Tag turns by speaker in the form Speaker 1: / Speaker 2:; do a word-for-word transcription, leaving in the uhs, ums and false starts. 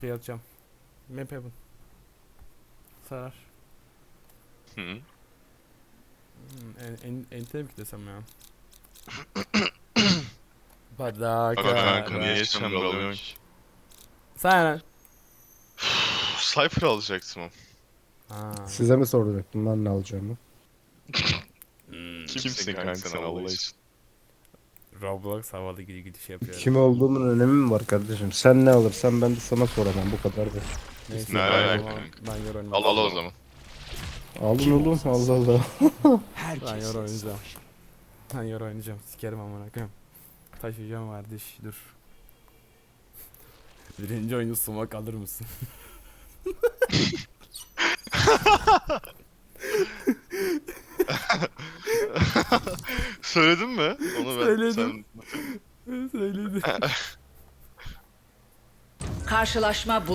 Speaker 1: Şey atacağım. Map Heaven. Sarar.
Speaker 2: Hı.
Speaker 1: Hmm, en, en, ente mi kitlesem ya? Badaka.
Speaker 2: Aga kanka niye chamber alıyorsun ki?
Speaker 1: Sen.
Speaker 2: Cypher alacaktım o.
Speaker 1: Ha.
Speaker 3: Size mi soracaktım ben ne alacağımı?
Speaker 1: Hmm.
Speaker 2: Kimsin kanka sen Allah için?
Speaker 1: Roblox havalı gidi gidiş yapıyorum.
Speaker 3: Kim olduğumun önemi mi var kardeşim? Sen ne alırsan ben de sana soramam bu kadar da.
Speaker 1: Neyse
Speaker 2: Ne
Speaker 1: ben,
Speaker 2: alaka
Speaker 1: o zaman-
Speaker 2: kanka?
Speaker 1: ben yor oynamam.
Speaker 2: Al al o zaman.
Speaker 3: Alın oğlum Allah Allah.
Speaker 1: Ben yor oynayacağım. Ben yor oynayacağım. Sikerim amına koyayım. Taşıyacağım kardeş dur. Birinci oyunu sumak alır mısın?
Speaker 2: Söyledin mi? Onu ben
Speaker 1: Söyledim.
Speaker 2: sen
Speaker 1: Söyledi.
Speaker 4: Karşılaşma bu.